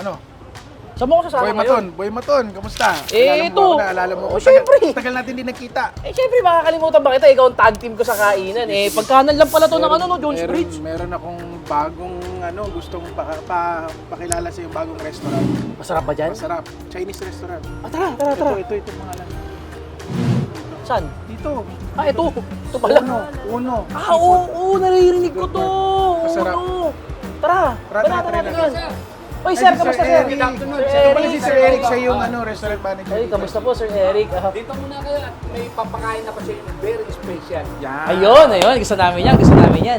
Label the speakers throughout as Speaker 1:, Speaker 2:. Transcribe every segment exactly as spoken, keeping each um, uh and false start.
Speaker 1: Ano?
Speaker 2: Saan mo ko sasama
Speaker 1: Boy
Speaker 2: ngayon?
Speaker 1: Maton, Boy Maton, kamusta?
Speaker 2: Eh,
Speaker 1: Alala mo
Speaker 2: ito.
Speaker 1: ako, naalala mo ako.
Speaker 2: Oh, syempre.
Speaker 1: Tagal, tagal natin din nagkita.
Speaker 2: Eh, syempre, makakalimutan ba kita? Ikaw ang tag team ko sa kainan. Eh, pagkanan lang pala to ng ano, no, Jones
Speaker 1: meron,
Speaker 2: Bridge.
Speaker 1: Meron akong bagong, ano, gustong pa, pa, pakilala sa yung bagong restaurant.
Speaker 2: Masarap ba dyan?
Speaker 1: Masarap. Chinese restaurant.
Speaker 2: Ah, tara, tara, tara.
Speaker 1: Ito, ito, ito, pangalan.
Speaker 2: Saan?
Speaker 1: Dito.
Speaker 2: Ah, ito. Ito pala.
Speaker 1: Uno, uno.
Speaker 2: Ah, oo, oo, naririnig ko to.
Speaker 1: Masarap.
Speaker 2: Uno. Tara,
Speaker 1: Tara,
Speaker 2: banatan
Speaker 1: tara,
Speaker 2: natin
Speaker 1: tara.
Speaker 2: yan. Oy, sir, kamusta, sir?
Speaker 1: Eric.
Speaker 2: Sir
Speaker 1: Sir pala si
Speaker 2: Eric.
Speaker 1: Sir Eric, siya yung ano, restaurant manager.
Speaker 2: Ay, kamusta po, Sir Eric? Ah,
Speaker 3: Dito muna kayo at may papakain ako sa inyo. Very special.
Speaker 1: Yan.
Speaker 2: ayun, ayun. Gusto namin yan. Gusto namin yan.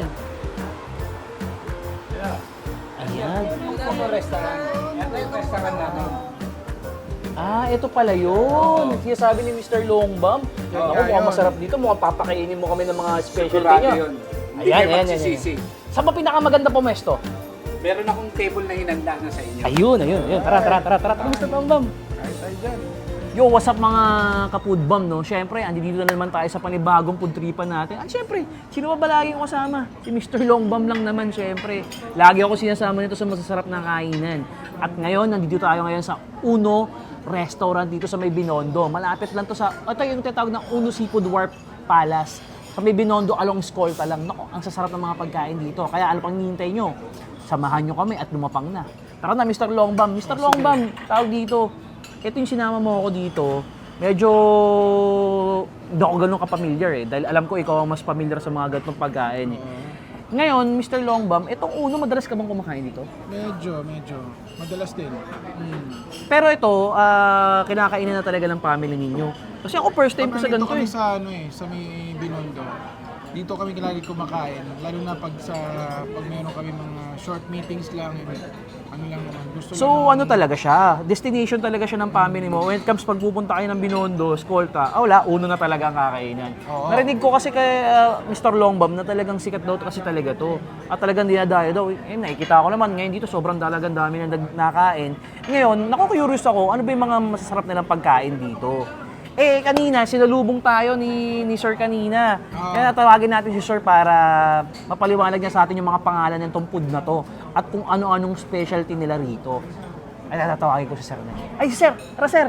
Speaker 2: Ayan.
Speaker 3: Ito yung restaurant. Ito yung restaurant namin.
Speaker 2: Ah, ito pala yun. Kaya sabi ni Mister Longbam.
Speaker 1: Yan
Speaker 2: Ako,
Speaker 1: nga
Speaker 2: mukhang
Speaker 1: yun.
Speaker 2: masarap dito. Mukhang papakainin mo kami ng mga specialty
Speaker 3: Sigurado
Speaker 2: niya.
Speaker 3: yun. Hindi
Speaker 2: Ayan,
Speaker 3: kayo
Speaker 2: ayan, ayan.
Speaker 3: magsisisi.
Speaker 2: Saan ba pinakamaganda pumesto?
Speaker 3: Meron akong table na hinanda na sa inyo.
Speaker 2: Ayun, ayun, ayun. Tara, tara, tara, tara. Tara, Mister Longbam.
Speaker 1: Kahit tayo dyan.
Speaker 2: Yo, what's up mga kapudbam, no? Siyempre, andito na naman tayo sa panibagong pudtripan natin. At siyempre, sino ba ba lagi yung kasama? Si Mister Longbam lang naman, siyempre. Lagi ako sinasama nito sa masasarap na kainan. At ngayon, nandito tayo ngayon sa Uno Restaurant dito sa may Binondo. Malapit lang to sa, ito yung tinatawag ng Uno Seafood Wharf Palace. Sa may Binondo, along Escolta lang. Nako, ang sasarap ng mga pagkain dito. Kaya ano pang hinihintay nyo? Samahan nyo kami at lumapang na. Tara na, Mister Longbam. Mister Longbam, tawag dito. Ito yung sinama mo ako dito, medyo hindi ako ganun ka-familiar eh. Dahil alam ko ikaw ang mas familiar sa mga ganitong pagkain eh. Ngayon, Mister Longbam, itong Uno, madalas ka bang kumakain dito?
Speaker 1: Medyo, medyo. Madalas din.
Speaker 2: Pero ito, ah, kinakainan na talaga ng family ninyo. Kasi ako first time ko sa ganito
Speaker 4: kami
Speaker 2: eh.
Speaker 4: sa ano eh, sa may Binondo. Dito kami lagi kumakain, lalo na pag sa pag meron kami mga short meetings lang, eh, ano lang naman, gusto
Speaker 2: So
Speaker 4: lang
Speaker 2: ano talaga siya, destination talaga siya ng family mo. When it comes pag pupunta kayo ng Binondo, Escolta, ah wala, Uno na talaga ang kakainan.
Speaker 4: Oo.
Speaker 2: Narinig ko kasi kay ah, Mister Longbam na talagang sikat daw kasi talaga to. At talagang dinadayo daw. Eh, nakikita ko naman ngayon dito sobrang talagang dami na nag- nakain. Ngayon, naku-curious ako, ano ba yung mga masasarap nilang pagkain dito? Eh, kanina, sinalubong tayo ni, ni Sir kanina. Kaya tawagin natin si Sir para mapaliwanag niya sa atin yung mga pangalan ng tong food na to at kung ano-anong specialty nila rito. Ay, tatawagin ko si Sir na. Ay, si Sir! Tara, Sir!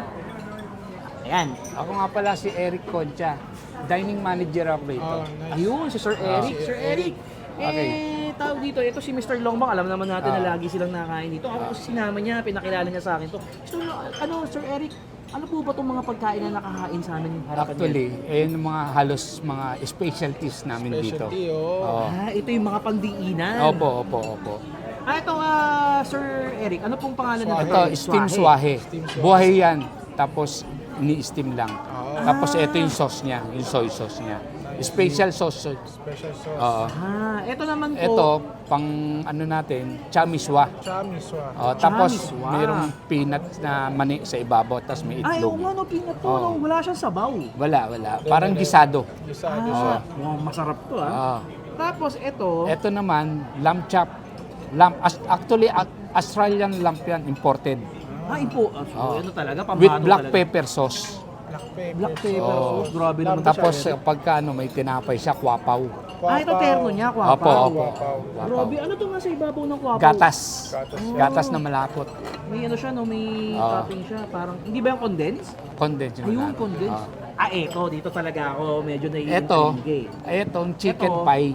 Speaker 2: Ayan.
Speaker 3: Ako nga pala si Eric Concha, dining manager ako rito.
Speaker 4: Oh, nice.
Speaker 2: Ayun, si Sir Eric.
Speaker 4: si
Speaker 2: Sir Eric! Eh,
Speaker 3: Okay.
Speaker 2: tawag dito, ito si Mister Longbang, alam naman natin na lagi silang nakain dito. Ako kasi sinama niya, pinakilala niya sa akin to. So, ano, Sir Eric, ano po ba itong mga pagkain na nakakain sa amin harapan niya?
Speaker 3: Actually, eh yung mga halos mga specialties namin dito.
Speaker 4: specialty, oh.
Speaker 3: Oo.
Speaker 2: Ah, ito yung mga pangdiinan.
Speaker 3: Opo, opo, opo.
Speaker 2: Ah, ito, ah, Sir Eric, ano pong pangalan nito?
Speaker 3: Ito, steam swahe.
Speaker 4: Steam swahe.
Speaker 3: Buhay yan. Tapos, ini-steam lang.
Speaker 4: Oo.
Speaker 3: Tapos, ito yung sauce niya, yung soy sauce niya. Special sauce.
Speaker 4: Special sauce.
Speaker 3: Oo.
Speaker 2: Ah, ito naman po.
Speaker 3: Ito, pang ano natin, chamiswa.
Speaker 4: Chamiswa.
Speaker 3: Oh, tapos,
Speaker 2: Chamiswa.
Speaker 3: mayroong peanut na mani sa ibabaw, tapos may
Speaker 2: Ay, oo
Speaker 3: itlog.
Speaker 2: nga, no, peanut to,
Speaker 3: Oo.
Speaker 2: no? Wala siyang sabaw.
Speaker 3: Wala, wala. Parang gisado.
Speaker 4: Gisado
Speaker 2: Ah,
Speaker 4: siya.
Speaker 2: mukhang masarap to, ah.
Speaker 3: Oo.
Speaker 2: Tapos, ito,
Speaker 3: Ito naman, lamb chop. Lamb, as- actually, a- Australian lamb yan, imported.
Speaker 2: ah, ipo, ah, so,
Speaker 3: Oo.
Speaker 2: ano talaga, pambano
Speaker 3: With black
Speaker 2: talaga.
Speaker 3: pepper sauce.
Speaker 4: Black pepper.
Speaker 2: Black pepper
Speaker 3: Oo.
Speaker 2: sauce, grabe naman to,
Speaker 3: Tapos,
Speaker 2: Sir Eric.
Speaker 3: pagka ano, may tinapay siya, kwapaw.
Speaker 2: Ah, ito terno niya, kwapaw.
Speaker 3: Opo, opo.
Speaker 4: Kwapaw.
Speaker 3: Kwapaw.
Speaker 2: Grabe, ano to nga sa ibabaw ng kwapaw?
Speaker 3: Gatas.
Speaker 4: Gatas.
Speaker 3: Gatas na malapot.
Speaker 2: May ano siya, no? May
Speaker 3: Oo.
Speaker 2: topping siya. Parang, hindi ba yung condensed?
Speaker 3: Condensed yung
Speaker 2: Ayun,
Speaker 3: malapot.
Speaker 2: condensed.
Speaker 3: Oo.
Speaker 2: Ah, eto, dito talaga ako medyo
Speaker 3: Ito,
Speaker 2: naiintindig.
Speaker 3: etong chicken
Speaker 2: Ito.
Speaker 3: pie.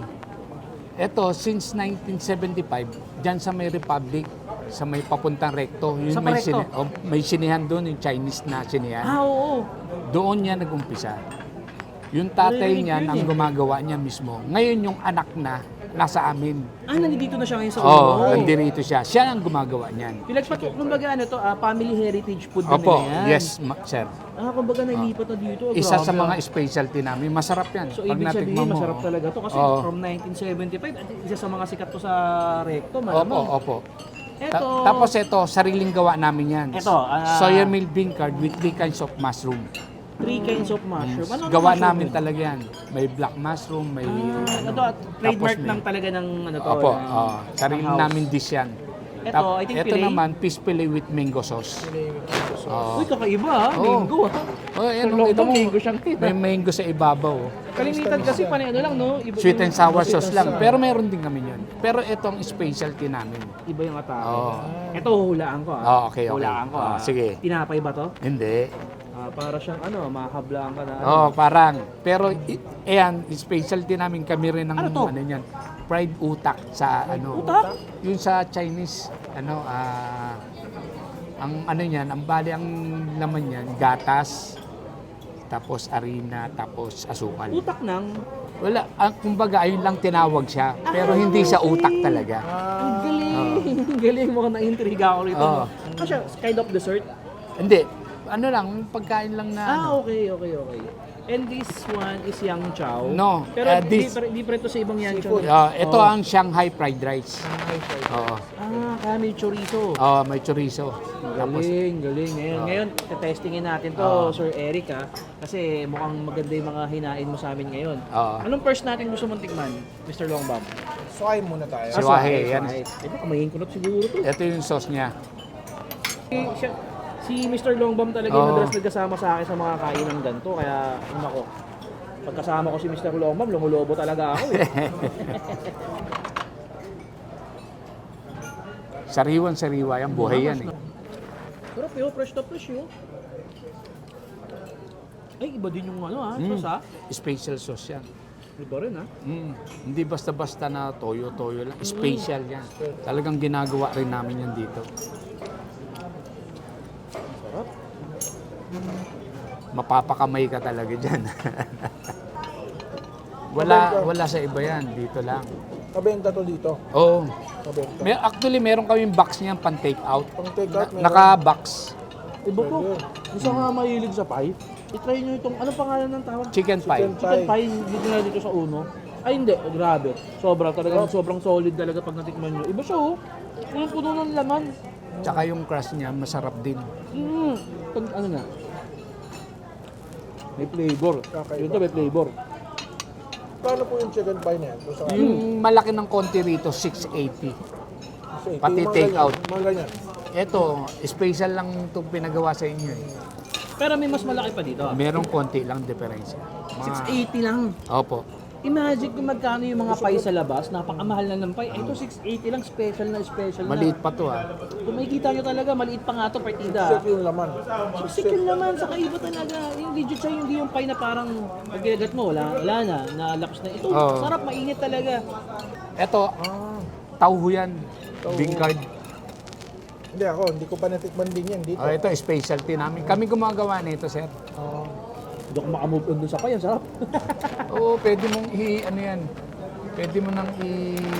Speaker 3: Ito, since nineteen seventy-five, dyan sa may Republic, sa may papuntang Recto. Yung
Speaker 2: Sa
Speaker 3: may,
Speaker 2: Recto?
Speaker 3: sini- oh, may sinihan doon, yung Chinese na sinihan.
Speaker 2: Ah, oo.
Speaker 3: Doon niya nag-umpisa. Yung tatay
Speaker 2: Naririnig
Speaker 3: niya
Speaker 2: ko yun
Speaker 3: ang
Speaker 2: eh.
Speaker 3: gumagawa niya mismo. Ngayon yung anak na nasa amin.
Speaker 2: Ah, nandito na siya ngayon sa
Speaker 3: Oo, oh,
Speaker 2: ulo.
Speaker 3: nandito siya. Siya ang gumagawa niyan.
Speaker 2: Pinagpat, kumbaga ano to, ah, family heritage food na
Speaker 3: Opo,
Speaker 2: nila yan.
Speaker 3: yes, ma- sir.
Speaker 2: Ah, kumbaga nailipat na dito. Ah,
Speaker 3: Isa sa
Speaker 2: grabe,
Speaker 3: mga
Speaker 2: ah.
Speaker 3: specialty namin. Masarap yan.
Speaker 2: So,
Speaker 3: Pag
Speaker 2: ibig
Speaker 3: natikman
Speaker 2: sabihin,
Speaker 3: mo,
Speaker 2: masarap
Speaker 3: oh.
Speaker 2: talaga to. Kasi
Speaker 3: Oo.
Speaker 2: from nineteen seventy-five, at isa sa mga sikat to sa Recto,
Speaker 3: Opo,
Speaker 2: malamang.
Speaker 3: opo.
Speaker 2: Ito,
Speaker 3: Ta- tapos ito, sariling gawa namin yan.
Speaker 2: Ito, ah,
Speaker 3: Soya milk bean curd with three kinds of mushroom.
Speaker 2: three kinds of mushroom. Ano ang
Speaker 3: Gawa
Speaker 2: mushroom
Speaker 3: namin
Speaker 2: yun?
Speaker 3: talaga yan. May black mushroom, may
Speaker 2: Ah,
Speaker 3: ano.
Speaker 2: ito, at trademark
Speaker 3: Tapos may-
Speaker 2: lang talaga ng ano to.
Speaker 3: Opo,
Speaker 2: ng-
Speaker 3: oh, sarili
Speaker 2: ng house.
Speaker 3: namin dish yan.
Speaker 2: Ito,
Speaker 3: Tap-
Speaker 2: I think
Speaker 3: ito
Speaker 2: Pilay.
Speaker 3: naman, fish fillet with mango sauce. Oo.
Speaker 2: Uy, kakaiba ha.
Speaker 3: Oo.
Speaker 2: Mango ha.
Speaker 3: Oh,
Speaker 2: Sir
Speaker 3: yan,
Speaker 2: Longbam,
Speaker 3: kita mo,
Speaker 2: mango siyang kita.
Speaker 3: may mango sa ibabaw. oh.
Speaker 2: Kalimitan kasi panay ano lang, no? Iba
Speaker 3: Sweet
Speaker 2: yung-
Speaker 3: and sour
Speaker 2: sweet
Speaker 3: sauce
Speaker 2: and
Speaker 3: lang.
Speaker 2: sour.
Speaker 3: Pero meron din kami yun. Pero ito ang specialty namin.
Speaker 2: Iba yung atake.
Speaker 3: Oo.
Speaker 2: Ito, hulaan ko ah.
Speaker 3: Oh, okay, okay.
Speaker 2: Hulaan ko ah.
Speaker 3: Ah, sige.
Speaker 2: Tinapay ba to?
Speaker 3: Hindi.
Speaker 2: Ah, para siyang ano, mahablaan ka na. Ano.
Speaker 3: Oh, parang. Pero, i- ayan, specialty namin kami rin ng
Speaker 2: Ano to?
Speaker 3: yan. Fried utak sa ano.
Speaker 2: Utak?
Speaker 3: Yung sa Chinese, ano, ah, ang ano yan, ang bali ang laman yan, gatas, tapos harina, tapos asukal.
Speaker 2: Utak ng...
Speaker 3: Wala, ang, kumbaga, ayun lang tinawag siya. Pero hindi siya utak talaga.
Speaker 2: Ang galing! Ang galing mo ka na-intriga ako rito.
Speaker 3: Oo.
Speaker 2: no? Ano siya? Kind of dessert?
Speaker 3: Hindi. Ano lang, pagkain lang na
Speaker 2: Ah,
Speaker 3: ano.
Speaker 2: okay, okay, okay. And this one is Yang Chow.
Speaker 3: No,
Speaker 2: Pero
Speaker 3: uh, this-
Speaker 2: different, different to sa ibang Yang Chow.
Speaker 3: Ah, ito
Speaker 2: Oo.
Speaker 3: ang Shanghai fried rice. Oo.
Speaker 2: Ah, kaya may chorizo.
Speaker 3: Oo, may chorizo. Tapos,
Speaker 2: Galing, galing. Ngayon,
Speaker 3: Oo.
Speaker 2: ngayon testingin natin to,
Speaker 3: Oo.
Speaker 2: Sir Eric ha. Kasi mukhang maganda yung mga hinain mo sa amin ngayon.
Speaker 3: Oo.
Speaker 2: Anong first natin gusto mong tikman, Mister Longbam?
Speaker 4: Suway muna tayo.
Speaker 3: Si Wahe, yan.
Speaker 2: Eh, baka mayin ko na siguro to.
Speaker 3: ito yung sauce niya.
Speaker 2: Si, siya, si Mister Longbam talaga
Speaker 3: Oo.
Speaker 2: yung madalas nagkasama sa akin sa mga kain ng ganito. Kaya, ano ko, pagkasama ko si Mister Longbam, lumulobo talaga ako eh.
Speaker 3: Sariwan-sariwa yan, buhay yan eh.
Speaker 2: Sarap yun, fresh na fresh yun. Ay, iba din yung ano ha,
Speaker 3: Mm.
Speaker 2: sauce ha.
Speaker 3: Special sauce yan.
Speaker 2: Iba rin ha.
Speaker 3: Mm. Hindi basta-basta na toyo-toyo lang. Special yan. Talagang ginagawa rin namin yan dito.
Speaker 2: Sarap.
Speaker 3: Mapapakamay ka talaga dyan. wala, wala sa iba yan. Dito lang.
Speaker 1: Kabenta to dito.
Speaker 3: Oo.
Speaker 1: Kabenta.
Speaker 3: May, actually, meron kaming box niyan pang take out.
Speaker 1: Pang take out, meron.
Speaker 3: Naka-box.
Speaker 2: Iba po.
Speaker 1: Pwede.
Speaker 2: Gusto nga mahilig sa pie. I-try nyo itong, anong pangalan ng tawag?
Speaker 3: Chicken pie.
Speaker 1: Chicken
Speaker 2: Chicken pie, dito na dito sa uno. Ay hindi, grabe. Sobra talaga, sobrang solid talaga pag natikman nyo. Iba siya oh. Punong-puno ng laman.
Speaker 3: Tsaka yung crust niya, masarap din.
Speaker 2: Mm. Pag ano na. May flavor.
Speaker 1: Kakaiba.
Speaker 2: Yun to, may flavor.
Speaker 1: Paano po yung chicken pie na yan? Kung saan-
Speaker 3: Yung malaki ng konti rito, six eighty.
Speaker 1: Kasi,
Speaker 3: pati
Speaker 1: yung mga
Speaker 3: take
Speaker 1: ganyan,
Speaker 3: out.
Speaker 1: Mga ganyan.
Speaker 3: Ito, special lang itong pinagawa sa inyo eh.
Speaker 2: Pero may mas malaki pa dito. ah.
Speaker 3: Merong konti lang diferensya. Mga-
Speaker 2: six eighty lang.
Speaker 3: Opo.
Speaker 2: Imagine kung magkano yung mga pie sa labas, napakamahal na ng pie. Ito six eighty lang, special na special na.
Speaker 3: Maliit pa to ah.
Speaker 2: Kung makikita nyo talaga, maliit pa nga to partida.
Speaker 1: Set yung laman.
Speaker 2: Sikil naman, saka iba talaga. Yung legit siya, hindi yung pie na parang pag ginagat mo, wala, wala na, nalakas na. Ito,
Speaker 3: Oo.
Speaker 2: sarap, mainit talaga.
Speaker 3: Ito, tauho yan. Bingkard.
Speaker 1: Hindi ako, hindi ko pa natikman din yan dito.
Speaker 3: Oh, ito, specialty namin. Kami gumagawa nito, sir.
Speaker 1: Ah,
Speaker 2: Hindi ako makamove on dun sa pie, ang sarap.
Speaker 3: Oo, pwede mong i, ano yan, pwede mo nang i,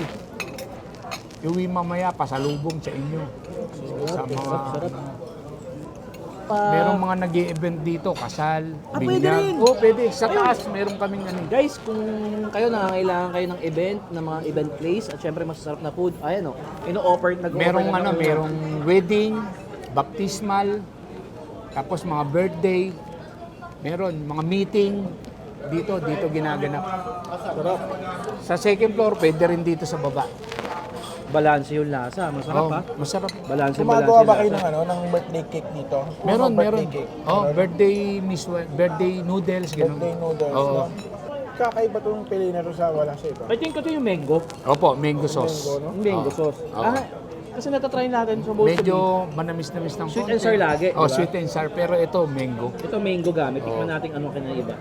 Speaker 3: iuwi mamaya, pasalubong sa inyo. Sa mga,
Speaker 2: sarap.
Speaker 3: merong mga nag event dito, kasal,
Speaker 2: Ah, pwede
Speaker 3: binyag.
Speaker 2: rin.
Speaker 3: Oo, pwede. Sa taas, meron kaming ano.
Speaker 2: Guys, kung kayo nangangailangan kayo ng event, ng mga event place, at syempre masasarap na food, ayan o, ino-offer, nag-offer
Speaker 3: Merong
Speaker 2: na
Speaker 3: ano,
Speaker 2: ng-
Speaker 3: merong wedding, baptismal, tapos mga birthday, meron mga meeting dito, dito ginaganap.
Speaker 1: sarap.
Speaker 3: Sa second floor, pwede rin dito sa baba.
Speaker 2: Balanse yung lasa, masarap
Speaker 3: Oo,
Speaker 2: ha.
Speaker 3: masarap.
Speaker 2: Balanse,
Speaker 1: Gumagawa
Speaker 2: balanse
Speaker 1: ba kayo
Speaker 2: lasa.
Speaker 1: ng, ano, ng birthday cake dito?
Speaker 3: Meron,
Speaker 1: Mga
Speaker 3: meron.
Speaker 1: birthday cake.
Speaker 3: Oh,
Speaker 1: Meron.
Speaker 3: birthday miswa, birthday noodles, ganun.
Speaker 1: Birthday noodles.
Speaker 3: Oo.
Speaker 1: No? Kakaiba itong pili na rin sa wala sa iba.
Speaker 2: I think ito yung mango.
Speaker 3: Opo, mango sauce.
Speaker 1: Mango, no?
Speaker 2: Yung mango
Speaker 3: Oo.
Speaker 2: sauce.
Speaker 3: Oo.
Speaker 2: Ah, kasi natatry natin sa both
Speaker 3: Medyo manamis-namis ng
Speaker 2: Sweet
Speaker 3: konti.
Speaker 2: and sour lagi,
Speaker 3: Oh,
Speaker 2: diba?
Speaker 3: sweet and sour. Pero ito, mango.
Speaker 2: Ito mango gamit. Tikman
Speaker 3: Oo.
Speaker 2: natin anong kinaiba.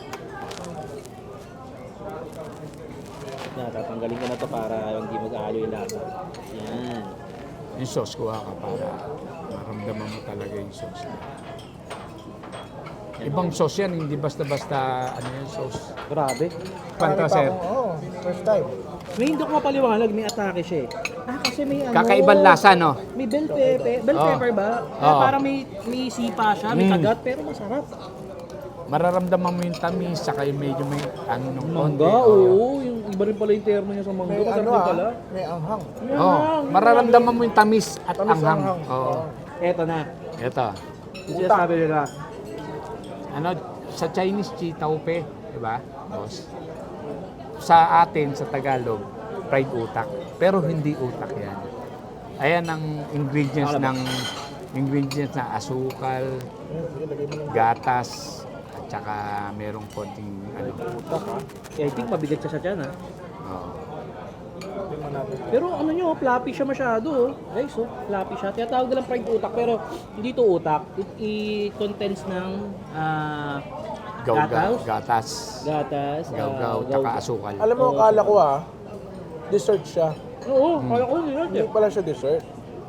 Speaker 2: Natatanggalin ko na to para hindi mag-aalo yung lasa. Yan.
Speaker 3: Yung sauce, kuha ka para maramdaman mo talaga yung sauce. Ibang sauce yan, hindi basta-basta ano yung sauce.
Speaker 2: Grabe.
Speaker 3: Panta,
Speaker 1: Marami pa
Speaker 3: sir.
Speaker 1: akong- Oo, first time.
Speaker 2: May hindi ko mapaliwanag, may atake siya eh. Ah, kasi may ano.
Speaker 3: Kakaibang lasa, no?
Speaker 2: May bell pepper. Bell
Speaker 3: Oo.
Speaker 2: pepper ba? Kaya
Speaker 3: Oo.
Speaker 2: parang may, may sipa siya, may
Speaker 3: Mm.
Speaker 2: kagat, pero masarap.
Speaker 3: Mararamdaman mo yung tamis, saka yung medyo may ano nung konti.
Speaker 2: Mangga,
Speaker 3: Oo.
Speaker 2: oo. Yung iba rin pala yung termo niya sa mangga.
Speaker 1: May
Speaker 2: Masarap
Speaker 1: ano
Speaker 2: din
Speaker 1: ah,
Speaker 2: pala.
Speaker 1: may anghang.
Speaker 2: Yan
Speaker 3: Oh,
Speaker 2: lang.
Speaker 3: mararamdaman mo yung tamis at
Speaker 1: Tamis
Speaker 3: anghang.
Speaker 1: anghang.
Speaker 3: Oo.
Speaker 2: Eto na.
Speaker 3: Ito.
Speaker 2: Yung sinasabi nila.
Speaker 3: Ano, sa Chinese, chi taupe, di ba? Boss. Sa atin, sa Tagalog, fried utak. Pero hindi utak yan. Ayan ang ingredients ng ingredients na asukal, gatas, at saka merong konting ano.
Speaker 2: I think mabigat siya sa tiyan, ha?
Speaker 3: Oh.
Speaker 2: Pero ano nyo, floppy siya masyado, oh. Guys, oh, floppy siya. Tinatawag nilang fried utak, pero hindi to utak. It, it contains ng ah,
Speaker 3: Gaw-gaw,
Speaker 2: gatas,
Speaker 3: gatas,
Speaker 2: gatas, ah,
Speaker 3: gaw-gaw,
Speaker 2: gaw-
Speaker 3: tsaka asukal.
Speaker 1: Alam mo, akala ko ah, dessert siya.
Speaker 2: Oo, kaya ko nila.
Speaker 1: Hindi pala siya dessert.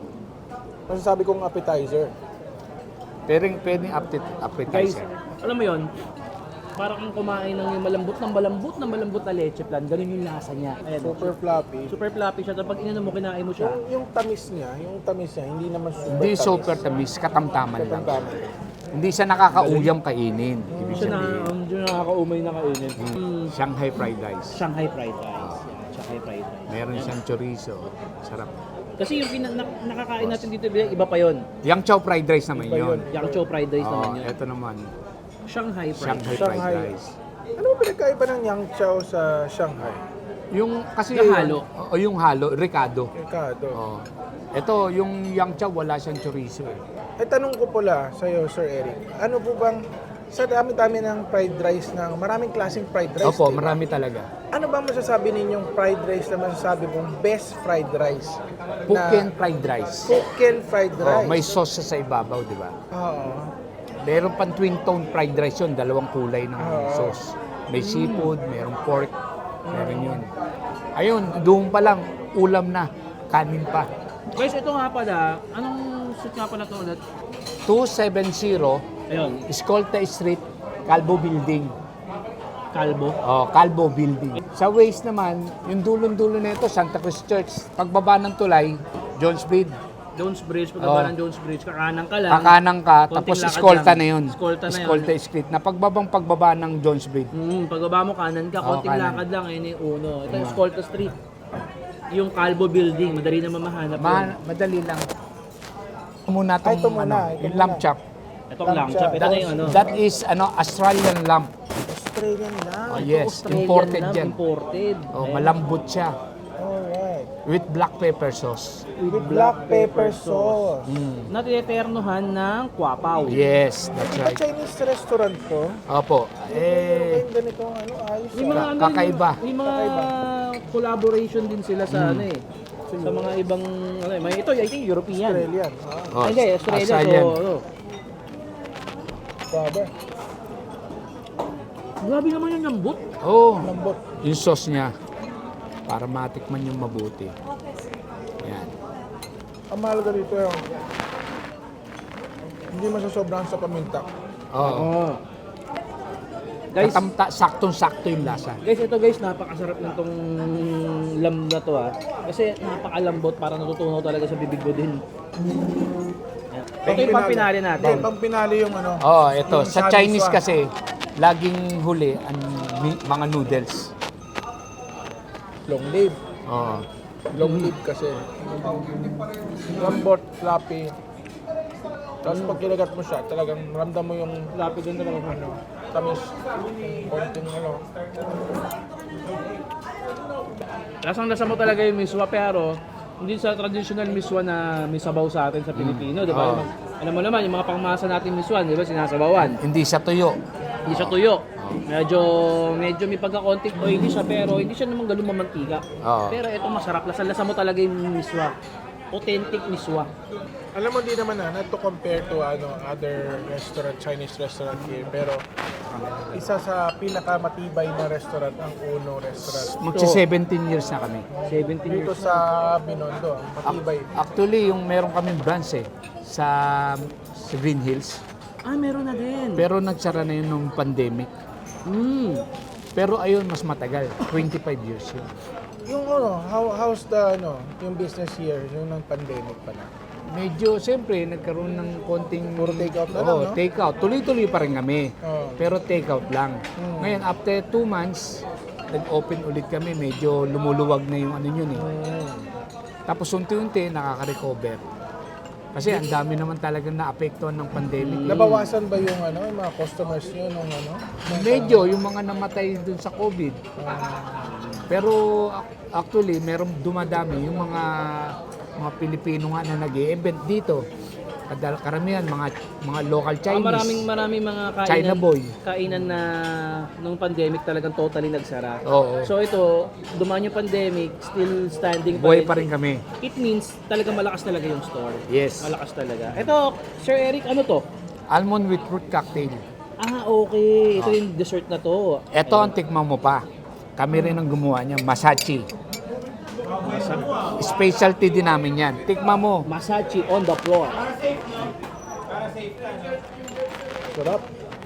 Speaker 1: Masasabi kong appetizer.
Speaker 3: Pwedeng, pwedeng appet-
Speaker 2: Guys,
Speaker 3: appetizer.
Speaker 2: alam mo yon, parang kung kumain ng yung malambot ng malambot ng malambot na leche plan, ganun yung lasa niya. Ayan,
Speaker 1: Super floppy.
Speaker 2: super floppy siya. Tapos pag ininom mo, kinain mo siya.
Speaker 1: Yung, yung tamis niya, yung tamis niya, hindi naman super
Speaker 3: Hindi
Speaker 1: tamis.
Speaker 3: super tamis, katamtaman lang.
Speaker 1: Katamtaman.
Speaker 3: Hindi siya nakakauyam kainin. Ibig
Speaker 2: Siya na,
Speaker 3: sabihin,
Speaker 2: um, yun nakakaumay na kainin. Mm.
Speaker 3: Shanghai fried rice.
Speaker 2: Shanghai fried rice. Yan, Shanghai fried rice.
Speaker 3: Meron
Speaker 2: Yan.
Speaker 3: siyang chorizo. Sarap.
Speaker 2: Kasi yung pina- na- nakakain natin dito, iba pa yon.
Speaker 3: Yang chow fried rice naman
Speaker 1: Iba
Speaker 3: yun.
Speaker 1: yun.
Speaker 2: Yang chow fried rice naman
Speaker 3: Oh,
Speaker 2: yun.
Speaker 3: ito naman.
Speaker 2: Shanghai fried
Speaker 3: Shanghai
Speaker 2: rice.
Speaker 3: fried
Speaker 1: Shanghai.
Speaker 3: rice.
Speaker 1: Ano ba pinagkaiba ng Yang Chow sa Shanghai?
Speaker 3: Yung kasi
Speaker 2: Yung halo.
Speaker 3: O yung halo, Ricardo.
Speaker 1: Ricardo.
Speaker 3: Oh. Ito, yung yang chow, wala siyang chorizo eh.
Speaker 1: Eh, tanong ko pala sa'yo, Sir Eric. Ano po bang, sa dami-dami ng fried rice, ng maraming klaseng fried rice,
Speaker 3: Opo,
Speaker 1: di ba?
Speaker 3: marami talaga.
Speaker 1: Ano bang masasabi ninyong fried rice na masasabi mong best fried rice?
Speaker 3: Puken fried rice.
Speaker 1: Puken fried
Speaker 3: Oh,
Speaker 1: rice.
Speaker 3: may sauce siya sa ibabaw, di ba?
Speaker 1: Oo.
Speaker 3: Meron pang twin tone fried rice yun, dalawang kulay ng
Speaker 1: Oo.
Speaker 3: sauce. May seafood, merong pork, meron yun. Ayun, doon pa lang, ulam na, kanin pa.
Speaker 2: Guys, ito nga pala, anong street nga pala ito ulit?
Speaker 3: two seventy
Speaker 2: Ayun,
Speaker 3: Escolta Street, Calvo Building.
Speaker 2: kalbo.
Speaker 3: Oh, Calvo Building. Sa waist naman, yung dulong-dulo nito, Santa Cruz Church. Pagbaba ng tulay, Jones Bridge.
Speaker 2: Jones Bridge, pagkaba
Speaker 3: Oh.
Speaker 2: ng Jones Bridge, kakanan ka lang.
Speaker 3: Kakanang ka,
Speaker 2: Konting
Speaker 3: tapos
Speaker 2: lakad
Speaker 3: Escolta
Speaker 2: lang.
Speaker 3: na yun.
Speaker 2: Escolta na yun.
Speaker 3: Escolta Street. Na pagbabang pagbaba ng Jones Bridge.
Speaker 2: Hmm, pagbaba mo kanan ka,
Speaker 3: Oo,
Speaker 2: konting
Speaker 3: kanan.
Speaker 2: lakad lang, ayun yung uno. Ito yung Escolta Street. Yung Calvo Building, madali na mamahanap yun.
Speaker 3: Ma- madali lang. Muna
Speaker 1: Ay,
Speaker 3: tong,
Speaker 1: ito muna,
Speaker 3: ano,
Speaker 1: ito
Speaker 3: yung
Speaker 1: muna.
Speaker 3: lamb chop.
Speaker 2: Itong lamb chop, ito
Speaker 3: That,
Speaker 2: na yung ano.
Speaker 3: that is ano Australian lamb.
Speaker 1: Australian lang.
Speaker 3: Oh,
Speaker 2: Ito,
Speaker 3: yes,
Speaker 2: Australian
Speaker 3: imported
Speaker 2: lamb,
Speaker 3: yan.
Speaker 2: Imported.
Speaker 3: Oh,
Speaker 2: Ayan.
Speaker 3: malambot siya
Speaker 1: Alright.
Speaker 3: with black pepper sauce.
Speaker 1: With black pepper sauce.
Speaker 3: Mm.
Speaker 2: Na tineternohan ng kwapaw.
Speaker 3: Yes, that's
Speaker 1: Sa
Speaker 3: right.
Speaker 1: Chinese restaurant to,
Speaker 3: Opo.
Speaker 1: meron
Speaker 3: Eh,
Speaker 1: kayong ganitong ano, ayos.
Speaker 2: May
Speaker 1: ah.
Speaker 2: mga,
Speaker 3: Ka-
Speaker 2: ano,
Speaker 3: kakaiba.
Speaker 2: May mga collaboration din sila sa ano eh. Sa mga ibang ano eh. May ito, I think European.
Speaker 1: Australian. Ah,
Speaker 3: oh,
Speaker 2: Ay, hindi, Australia.
Speaker 3: Australian.
Speaker 2: So, ano.
Speaker 1: grabe.
Speaker 2: Grabe naman yung lambot.
Speaker 3: Oh,
Speaker 1: Lambot.
Speaker 3: yung sauce niya para matikman yung mabuti. Yan.
Speaker 1: Ang mahalaga dito yung hindi masasobrahan sa paminta.
Speaker 3: Oo.
Speaker 2: Oh. Guys,
Speaker 3: Katamta, saktong-sakto yung lasa.
Speaker 2: guys, ito guys, napakasarap ng tong lamb na to ah. Kasi napakalambot, para natutunaw talaga sa bibig ko din. Yan. Ito yung pampinali natin.
Speaker 1: Hindi, pampinali yung ano.
Speaker 3: Oh, ito.
Speaker 1: yung
Speaker 3: Sa
Speaker 1: shabu
Speaker 3: Chinese
Speaker 1: swa.
Speaker 3: kasi, laging huli ang mi- mga noodles.
Speaker 1: Long live.
Speaker 3: Oh.
Speaker 1: Long live kasi. Lambot, floppy. Tapos pag kinagat mo siya, talagang ramdam mo yung
Speaker 2: Lapit din talaga.
Speaker 1: ano, tamis. Konting ano.
Speaker 2: Lasang-lasa mo talaga yung miswa, pero hindi sa traditional miswa na may sabaw sa atin sa Pilipino, di ba?
Speaker 3: Oo.
Speaker 2: Alam mo naman, yung mga pangmasa natin miswa, di ba, sinasabawan.
Speaker 3: Hindi siya tuyo.
Speaker 2: Hindi siya tuyo. Medyo, medyo may pagka-konting oily siya, pero hindi siya naman ganun mamantika.
Speaker 3: Oo.
Speaker 2: Pero ito masarap, lasang-lasa mo talaga yung miswa. Authentic miswa.
Speaker 1: Alam mo, di naman na, not to compare to ano, other restaurant, Chinese restaurant here, pero isa sa pinakamatibay na restaurant ang Uno Restaurant.
Speaker 3: Magsi seventeen years na kami.
Speaker 2: seventeen
Speaker 1: Dito
Speaker 2: years.
Speaker 1: sa Binondo, matibay.
Speaker 3: Actually, yung meron kaming branch eh, sa, sa Green Hills.
Speaker 2: Ah, meron na din.
Speaker 3: Pero nagsara na yun nung pandemic.
Speaker 2: Mm.
Speaker 3: Pero ayun, mas matagal. twenty-five years yun.
Speaker 1: Yung ano, how, how's the ano, yung business here, yung ng pandemic pa na?
Speaker 3: Medyo, siyempre, nagkaroon ng konting...
Speaker 1: Puro takeout na
Speaker 3: Oo,
Speaker 1: lang, no?
Speaker 3: takeout. Tuloy-tuloy pa rin kami.
Speaker 1: Oo.
Speaker 3: Pero takeout lang.
Speaker 1: Hmm.
Speaker 3: Ngayon, after two months, nag-open ulit kami. Medyo lumuluwag na yung ano yun eh.
Speaker 1: Mm.
Speaker 3: Tapos unti-unti, nakaka-recover. Kasi ang dami naman talagang naapektuhan ng pandemic.
Speaker 1: Nabawasan ba yung ano, yung mga customers nyo nung ano?
Speaker 3: Medyo, yung mga namatay dun sa COVID. Pero ac- actually, merong dumadami yung mga mga Pilipino nga na nag-e-event dito. Kadal karamihan mga mga local
Speaker 2: Ah,
Speaker 3: Chinese.
Speaker 2: maraming maraming mga kainan,
Speaker 3: China boy.
Speaker 2: kainan na nung pandemic talagang totally nagsara.
Speaker 3: Oo.
Speaker 2: So ito, dumaan yung pandemic, still standing
Speaker 3: Buhay pa rin kami.
Speaker 2: It means talagang malakas talaga yung store.
Speaker 3: Yes.
Speaker 2: Malakas talaga. Ito, Sir Eric, ano to?
Speaker 3: Almond with fruit cocktail.
Speaker 2: Ah, okay. Ito yung dessert na to.
Speaker 3: Ito ang tikman mo pa. Kami rin ang gumawa niya, masachi. Specialty din namin yan. Tikman mo.
Speaker 2: Masachi on the floor.
Speaker 1: Sarap.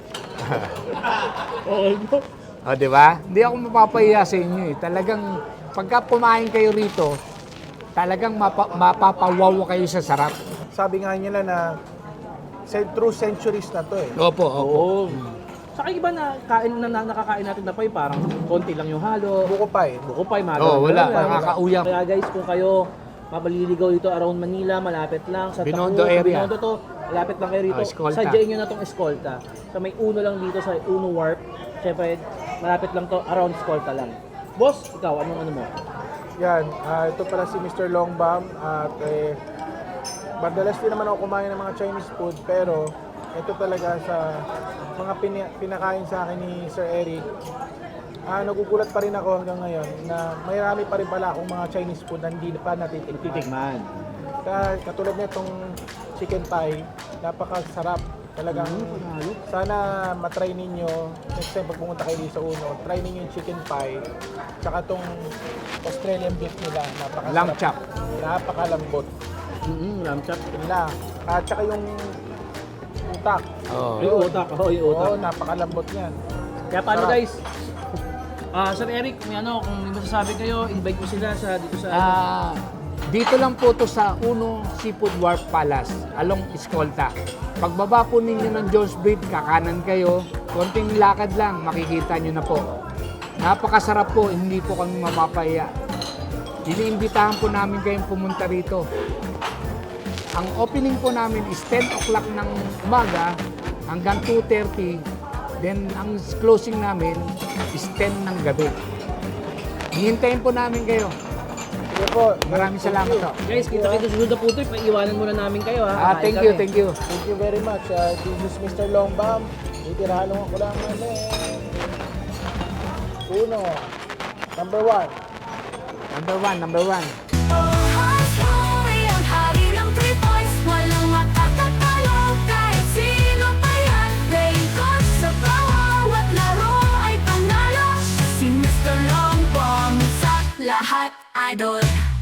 Speaker 2: Okay po.
Speaker 3: O, di ba? Hindi ako mapapahiya sa inyo eh. Talagang, pagka kumain kayo rito, talagang mapa, mapapawaw kayo sa sarap.
Speaker 1: Sabi nga nila na se- true centuries na to eh.
Speaker 3: Opo, opo.
Speaker 2: Oo. Saka iba na kain na, na nakakain natin na pa parang konti lang yung halo.
Speaker 1: Buko pa eh.
Speaker 2: Buko pa, mga
Speaker 3: Oo,
Speaker 2: ganun
Speaker 3: wala.
Speaker 2: lang.
Speaker 3: Nakakauyam.
Speaker 2: Kaya guys, kung kayo mabaliligaw dito around Manila, malapit lang sa
Speaker 3: Binondo
Speaker 2: Taku,
Speaker 3: area.
Speaker 2: Binondo to, malapit lang kayo rito.
Speaker 3: Oh, Escolta.
Speaker 2: Sadyain nyo na tong Escolta. So may uno lang dito sa Uno Warp. Siyempre, malapit lang to, around Escolta lang. Boss, ikaw, anong ano mo?
Speaker 1: Yan, ah, ito pala si Mister Longbam at eh, madalas din naman ako kumain ng mga Chinese food pero ito talaga sa mga pini- pinakain sa akin ni Sir Eric. Ah, nagugulat pa rin ako hanggang ngayon na marami pa rin pala akong mga Chinese food na hindi pa natitikman.
Speaker 2: Titikman.
Speaker 1: Ka- Katulad nitong chicken pie, napakasarap. Talagang sana matry ninyo next time pag pumunta kayo dito sa Uno, try ninyo yung chicken pie tsaka tong Australian beef nila, napakasarap.
Speaker 3: Lamb chop.
Speaker 1: Napakalambot.
Speaker 2: Mm-hmm, lamb chop.
Speaker 1: Yun lang. At tsaka yung utak.
Speaker 3: Oo.
Speaker 2: Yung utak. Oo, yung utak.
Speaker 1: Oo, napakalambot niyan.
Speaker 2: Kaya paano
Speaker 1: Sarap.
Speaker 2: guys? Ah, Sir Eric, may ano, kung may masasabi kayo, invite mo sila sa dito sa
Speaker 3: Ah, dito lang po to sa Uno Seafood Wharf Palace, along Escolta. Pagbaba po ninyo ng Jones Bridge, kakanan kayo, konting lakad lang, makikita nyo na po. Napakasarap po, hindi po kami mapapahiya. Iniimbitahan po namin kayong pumunta rito. Ang opening po namin is ten o'clock ng umaga hanggang two thirty. Then ang closing namin is ten ng gabi. Hihintayin po namin kayo.
Speaker 1: Sige po.
Speaker 3: Maraming salamat po.
Speaker 2: Guys, kita kita susunod na po ito, paiiwanan muna namin kayo ha.
Speaker 3: Ah,
Speaker 2: Kakain
Speaker 3: thank you,
Speaker 2: kami.
Speaker 3: thank you.
Speaker 1: Thank you very much. Uh, this is Mister Longbam. Itirahan lang ako lang ano eh. Uno. Number one.
Speaker 3: Number one, number one.
Speaker 5: Hoy, ang hari ng three points, walang makatatalo kahit sino pa yan. Raincoat sa bawat laro ay panalo. Si Mister Longbam sa lahat idol.